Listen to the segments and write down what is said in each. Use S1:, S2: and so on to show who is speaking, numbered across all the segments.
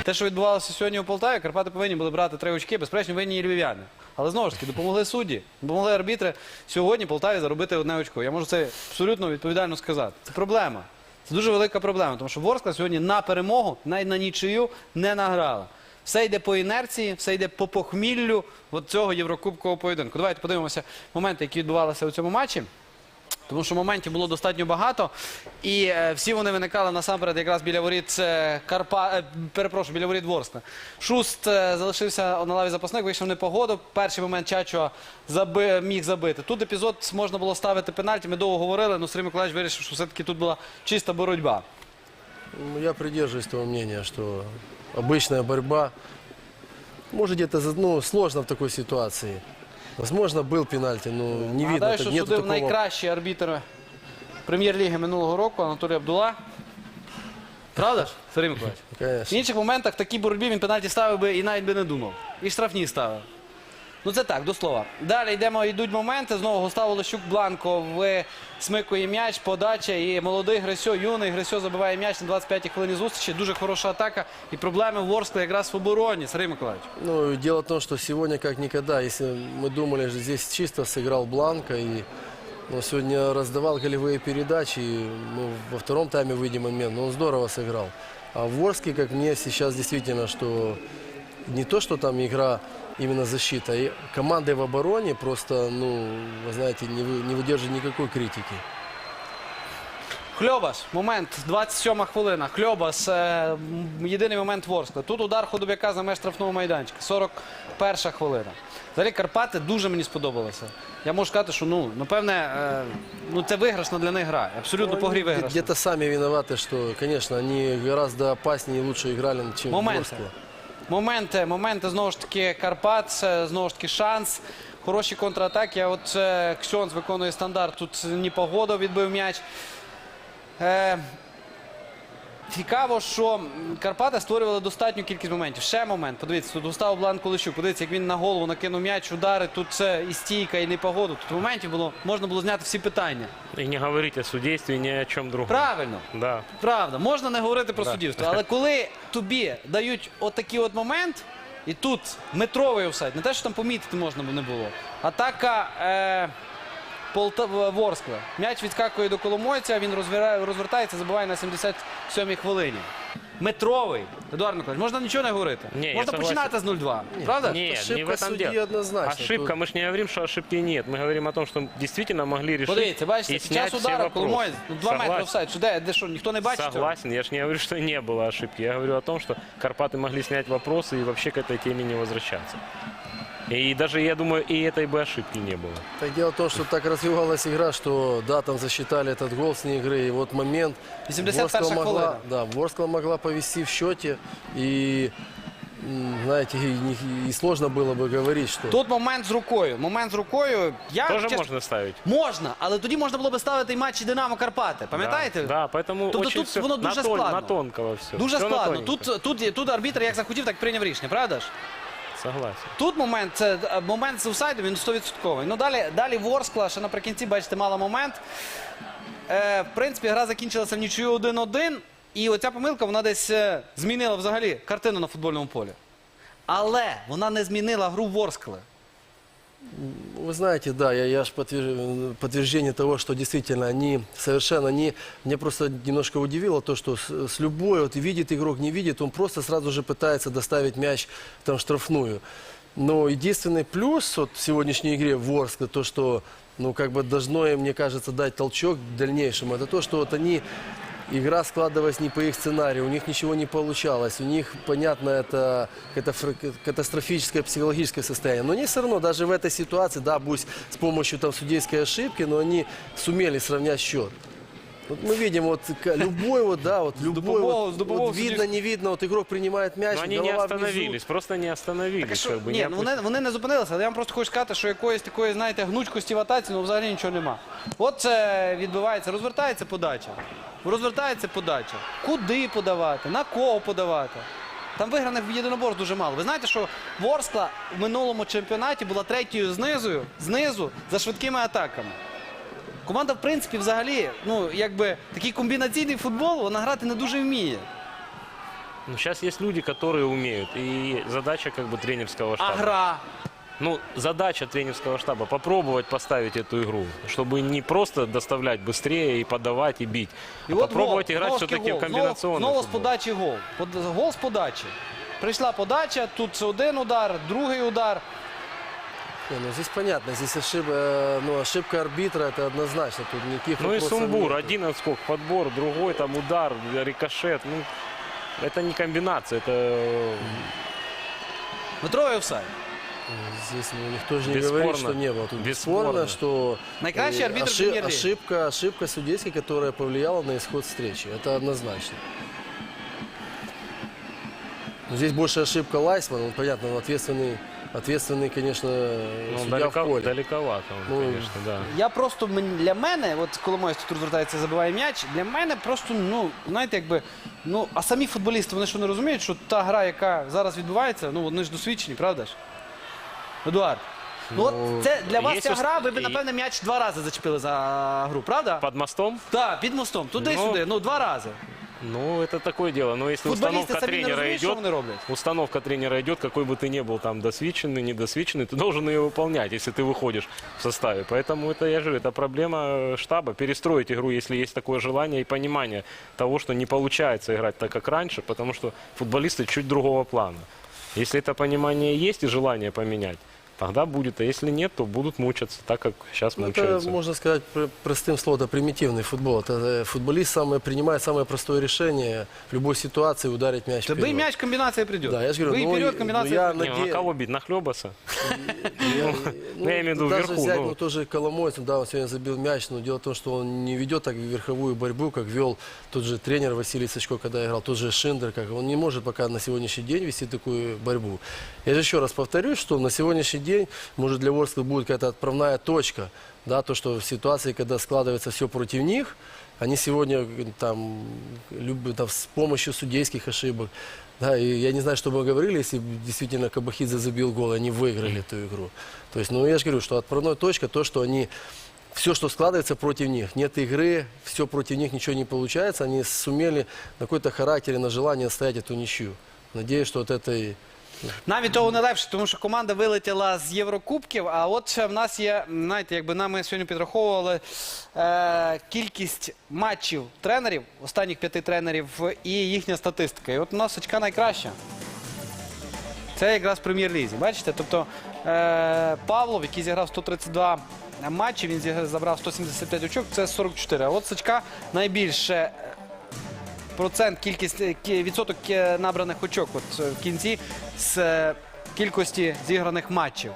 S1: Те, що відбувалося сьогодні у Полтаві, Карпати повинні були брати 3 очки, безперечно, винні і львів'яни. Але знову ж таки, допомогли судді, допомогли арбітри сьогодні Полтаві заробити 1 очко. Я можу це абсолютно відповідально сказати. Це проблема. Це дуже велика проблема, тому що Ворскла сьогодні на перемогу, навіть на нічию не награла. Все йде по інерції, все йде по похміллю от цього єврокубкового поєдинку. Давайте подивимося моменти, які відбувалися у цьому матчі. Тому що моментів було достатньо багато. І всі вони виникали насамперед якраз біля воріт біля воріт Ворскли. Шуст залишився на лаві запасних, вийшов в непогоду. Перший момент Чачо міг забити. Тут епізод можна було ставити пенальті. Ми довго говорили, але Сергій Миколаївич вирішив, що все-таки тут була чиста боротьба.
S2: Я придерживаюсь того мнения, что обычная борьба, может где-то сложно в такой ситуации. Возможно, был пенальти, но не видно.
S1: Нагадаю, що
S2: нету
S1: судив
S2: такого...
S1: найкращий арбітр прем'єр-ліги минулого року Анатолій Абдула. Правда ж, Сергій Миколаївич?
S2: Конечно.
S1: В інших моментах в такій боротьбі він пенальті ставив би і навіть би не думав. І штрафні ставив. Ну це так, до слова. Далі йдуть моменти. Знову Густав Олещук Бланко смикує м'яч, подача. І молодий Грисьо, юний Грисьо забиває м'яч на 25-й хвилині зустрічі. Дуже хороша атака. І проблеми в Ворсклі якраз в обороні. Сергій Миколаївич.
S2: Ну, дело в том, что сегодня как никогда, если мы думали, что здесь чисто сыграл Бланко, и сегодня раздавал голевые передачи, и мы во втором тайме выйдем момент, но он здорово сыграл. А в Ворске, как мне сейчас действительно, что не то, что там игра именно защита, и команды в обороне просто, вы знаете, не выдерживают никакой критики.
S1: Хльобас, момент, 27-ма хвилина. Хльобас, єдиний момент Ворскли. Тут удар Худобяка за меж штрафного майданчика. 41-ша хвилина. Взагалі Карпати дуже мені сподобалося. Я можу сказати, що, напевне, це виграшна для них гра. Абсолютно по грі виграшна.
S2: Где-то сами виноваты, что, конечно, они гораздо опаснее и лучше играли, чем Ворскла.
S1: Моменти, знову ж таки, Карпат, знову ж таки, шанс. Хороші контратаки. А от Ксьонц виконує стандарт. Тут Непогодов відбив м'яч. Цікаво, що Карпати створювали достатню кількість моментів. Ще момент, подивіться, тут Густав Бланко Олещук, подивіться, як він на голову накинув м'яч, удари, тут це і стійка, і Непогоду. Тут моментів можна було зняти всі питання.
S3: І не говорити о суддівстві ні о чому другому.
S1: Правильно,
S3: да.
S1: Правда, можна не говорити про суддівство, але коли тобі дають отакий от момент, і тут метровий офсайд, не те, що там помітити можна не було, атака Ворскла. М'яч відскакує до Коломойця, він розвертається, забиває на 77-й хвилині. Метровий. Едуард Миколаївич, можна нічого не говорити. Можна починати з 0-2. Правда?
S3: Нет, не в этом дело. Ошибка, мы же не говорим, что ошибки нет. Мы говорим о том, что действительно могли решить.
S1: Подивіться, бачите, під час удара Коломоєць, 2 метри офсайд. Де що, ніхто не бачить?
S3: Согласен, я же не говорю, что не было ошибки. Я говорю о том, что Карпаты могли снять вопросы и вообще к этой теме не возвращаться. И даже, я думаю, и этой бы ошибки не было.
S2: Так дело в том, что так развивалась игра, что да, там засчитали этот гол с игры. И вот момент.
S1: 81-я хвилина.
S2: Да, Ворскла могла повести в счете. И, знаете, и сложно было бы говорить, что...
S1: Тут момент з рукою.
S3: Тоже можно ставить?
S1: Можна, але тоді можна було б ставити і матчі Динамо Карпати. Пам'ятаєте?
S3: Да, поэтому
S1: тобто
S3: очень
S1: тут воно дуже складно.
S3: На тонкого все.
S1: Дуже
S3: все
S1: складно. Тут арбітр як захотів, так прийняв рішення, правда ж?
S3: Согласен.
S1: Тут момент з офсайдом, він 100%. Ну, далі Ворскла, ще наприкінці, бачите, мала момент. В принципі, гра закінчилася в нічию 1-1. І оця помилка, вона десь змінила взагалі картину на футбольному полі. Але вона не змінила гру Ворскли.
S2: Вы знаете, да, я же подтверждение того, что действительно они совершенно не... Меня просто немножко удивило то, что с любой, вот видит игрок, не видит, он просто сразу же пытается доставить мяч там в штрафную. Но единственный плюс вот в сегодняшней игре Ворскла, то, что, как бы должно им, мне кажется, дать толчок к дальнейшему, это то, что вот они... Игра складывалась не по их сценарию, у них ничего не получалось. У них, понятно, это катастрофическое психологическое состояние. Но они все равно, даже в этой ситуации, да, пусть с помощью там судейской ошибки, но они сумели сравнять счет. Вот мы видим, вот любой, видно, не видно, вот игрок принимает мяч,
S3: но они не остановились, просто не остановились.
S1: Ні, вони не зупинилися, але я вам просто хочу сказати, що якоїсь такої, знаєте, гнучкості в атаці, взагалі нічого нема. От це відбувається, розвертається подача. Куди подавати, на кого подавати? Там виграних в єдиноборств дуже мало. Ви знаєте, що Ворскла в минулому чемпіонаті була третьою знизу за швидкими атаками. Команда, в принципі, взагалі, такий комбінаційний футбол, вона грати не дуже вміє.
S3: Ну, сейчас есть люди, которые умеют. И задача как бы тренерского
S1: А
S3: штаба.
S1: гра.
S3: Ну, задача тренерского штаба попробовать поставить эту игру, чтобы не просто доставлять быстрее и подавать и бить, а попробовать играть все-таки в комбинационный
S1: Знову з
S3: футбол.
S1: подачі гол. Гол з подачі. Прийшла подача, тут один удар, другий удар.
S2: Не, ну здесь понятно, здесь ошибка арбитра, это однозначно, тут никаких
S3: Ну и
S2: вопросов
S3: сумбур,
S2: нет.
S3: один отскок, подбор, другой там удар, рикошет. Ну, это не комбинация, это
S1: Метровий офсайд.
S2: Здесь никто же не
S3: Бесспорно.
S2: говорит, что не было. Тут
S3: Бесспорно.
S2: бесспорно, что
S1: Найкращий арбитр Премьер-лиги.
S2: ошибка судейской, которая повлияла на исход встречи. Это однозначно. Но здесь больше ошибка Лайсмана, понятно, он ответственный, конечно,
S3: ну,
S2: судья в поле.
S3: далековато, он,
S2: Ну,
S3: конечно, да.
S1: Я просто, для мене, от Коломойський тут звертається, забиває м'яч, для мене просто, ну, знаєте, якби, ну, а самі футболісти, вони що не розуміють, що та гра, яка зараз відбувається, ну, вони ж досвідчені, правда ж? Едуард, ну, от це для вас
S3: є
S1: ця гра, ви б,
S3: і-
S1: напевне, м'яч 2 рази зачепили за гру, правда?
S3: Под мостом?
S1: Так, під мостом, туди-сюди, ну, 2 рази.
S3: Ну, это такое дело. Но если
S1: Футболісти
S3: установка
S1: самі не
S3: тренера
S1: розуміють, що
S3: идет,
S1: вони роблять.
S3: установка тренера идет, какой бы ты ни был там досвідченный, недосвідченный, ты должен ее выполнять, если ты выходишь в составе. Поэтому это, я же говорю, это проблема штаба. Перестроить игру, если есть такое желание и понимание того, что не получается играть так, как раньше, потому что футболисты чуть другого плана. Если это понимание есть и желание поменять, тогда будет. А если нет, то будут мучаться, так как сейчас
S2: Ну,
S3: мучаются.
S2: это, можно сказать, простым словом, это примитивный футбол. Это футболист принимает самое простое решение в любой ситуации ударить мяч
S1: Тобі
S2: вперед.
S1: м'яч комбінація прийде.
S2: Да, я же говорю,
S1: Ви
S2: ну,
S1: вперед,
S2: и-
S1: комбінація
S2: ну, я
S1: прийде.
S3: Не, ну, а кого бить? Нахлебаса?
S2: Я,
S3: я имею в виду
S2: даже
S3: вверху,
S2: взять,
S3: ну.
S2: тоже Коломойцев, да, он сегодня забил мяч, но дело в том, что он не ведет так верховую борьбу, как вел тот же тренер Василий Сачко, когда играл, тот же Шиндер, как он не может пока на сегодняшний день вести такую борьбу. Я же еще раз повторюсь, что на сегодняшний день, может, для Ворскла будет какая-то отправная точка, да, то, что в ситуации, когда складывается все против них, они сегодня там, там с помощью судейских ошибок, да, и я не знаю, что бы мы говорили, если бы действительно Кабахидзе забил гол, и они выиграли эту игру. То есть, ну, я же говорю, что отправная точка, то, что они, все, что складывается против них, нет игры, все против них, ничего не получается, они сумели на какой-то характере, на желание оставить эту ничью. Надеюсь, что от этой...
S1: Навіть того не легше, тому що команда вилетіла з Єврокубків, а от ще в нас є, знаєте, якби нам ми сьогодні підраховували кількість матчів тренерів, останніх 5 тренерів і їхня статистика. І от у нас очка найкраща. Це якраз в Прем'єр-лізі. Бачите? Тобто Павлов, який зіграв 132 матчі, він забрав 175 очок, це 44. А от Сачка найбільше процент, відсоток набраних очок от, в кінці з кількості зіграних матчів.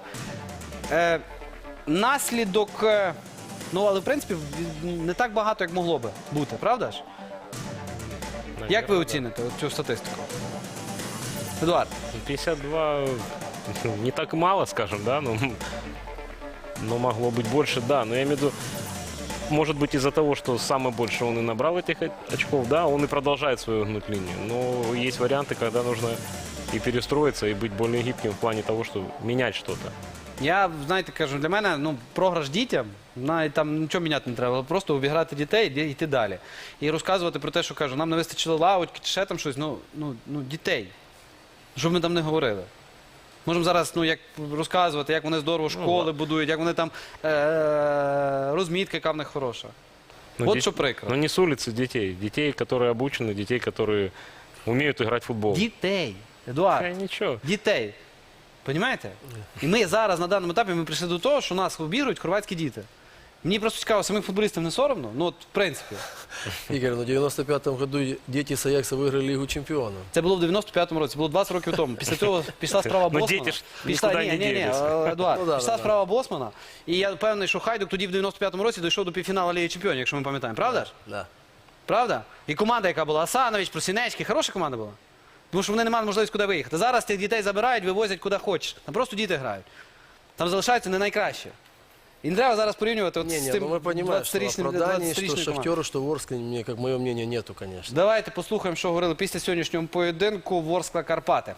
S1: Наслідок, ну, але в принципі не так багато, як могло би бути, правда ж? Як ви
S3: Наверное,
S1: оціните от цю статистику? Едуард,
S3: 52 не так мало, скажем, да, но могло быть больше, да. Но я имею в виду, может быть, из-за того, что самое больше он и набрал этих очков, да, он и продолжает свою гнуть линию. Но есть варианты, когда нужно и перестроиться, и быть более гибким в плане того, что менять что-то.
S1: я, знаєте, кажу, для мене, ну, програш дітям, навіть там нічого міняти не треба, просто обіграти дітей і йти далі. І розказувати про те, що, кажу, нам не вистачило лавочки чи ще там щось, ну, дітей. Що б ми там не говорили. Можемо зараз, ну, як розказувати, як вони здорово школи будують, як вони там розмітка, яка в них хороша.
S3: Ну,
S1: От що прикро.
S3: Но не с улицы детей. Детей, которые обучены, детей, которые умеют играть в футбол.
S1: Дітей. Едуард,
S3: Ничего.
S1: дітей. Понімаєте? І ми зараз на даному етапі ми прийшли до того, що нас обігрують хорватські діти. Мені просто цікаво, самим футболістам не соромно? Ну, от, в принципі.
S2: Игорь, ну, в 95-м году дети с Аякса выиграли Лигу чемпионов.
S1: Це було в 95-му році, було 20 років тому. Після цього пішла справа
S3: Ну,
S1: Босмана.
S3: діти ж
S1: Пішла,
S3: нікуди не ділися.
S1: Едуард,
S2: Ну, да,
S1: пішла
S2: да,
S1: справа Босмана. І я впевнений, що Хайдук тоді в 95-му році дійшов до півфіналу Ліги Чемпіонів, якщо ми пам'ятаємо. Правда ж?
S2: Да.
S1: Правда? І команда, яка була, Асанович, Просінецький, хороша команда була. Тому що вони не мали можливості куди виїхати. Зараз тих дітей забирають, вивозять куди хочеш. Там просто діти грають. Там залишаються не найкраще. І не треба зараз порівнювати от
S2: Не,
S1: з
S2: не,
S1: тим
S2: ну мы понимаем, что
S1: 20-річним
S2: оправданий, что
S1: 20-річною командою.
S2: Шахтеру, что Ворскле, мне, как мое мнение, нету, конечно.
S1: Давайте послухаємо, що говорили після сьогоднішнього поєдинку Ворскла Карпати.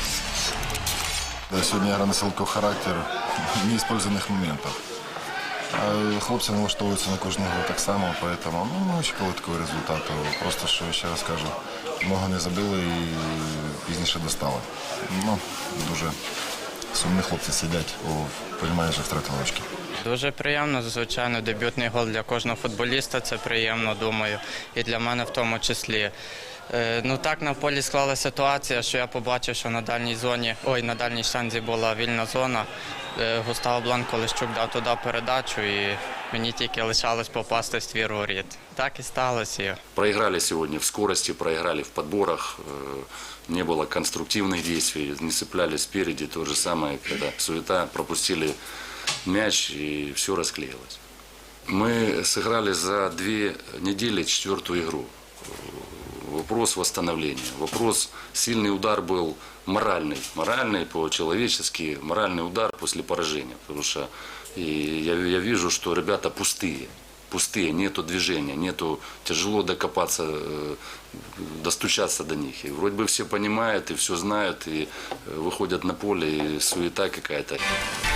S4: Да, сегодня игра носила такой характер неиспользованных моментов. А хлопці налаштовуються на кожну гру так само, тому ми очікували такого результату. Просто, що ще раз кажу, много не забили і пізніше достали. Дуже сумні хлопці сидять, розумієш, що втратили очки.
S5: Дуже приємно, звичайно, дебютний гол для кожного футболіста, це приємно, думаю, і для мене в тому числі. Так на полі склалася ситуація, що я побачив, що на дальній штанзі була вільна зона. Густаво Бланко Лещук дав туди передачу і мені тільки лишалось попасти в ствір воріт. Так і сталося.
S6: Проиграли сегодня в скорости, проиграли в подборах, не было конструктивных действий, не цеплялись спереди. То же самое, когда суета, пропустили мяч и все расклеилось. Мы сыграли за 2 недели 4-ю игру. Вопрос восстановления. Вопрос, сильный удар был моральный по-человечески, моральный удар после поражения. Потому что я вижу, что ребята пустые, нету движения, тяжело докопаться, достучаться до них. И вроде бы все понимают и все знают, и выходят на поле, и суета какая-то.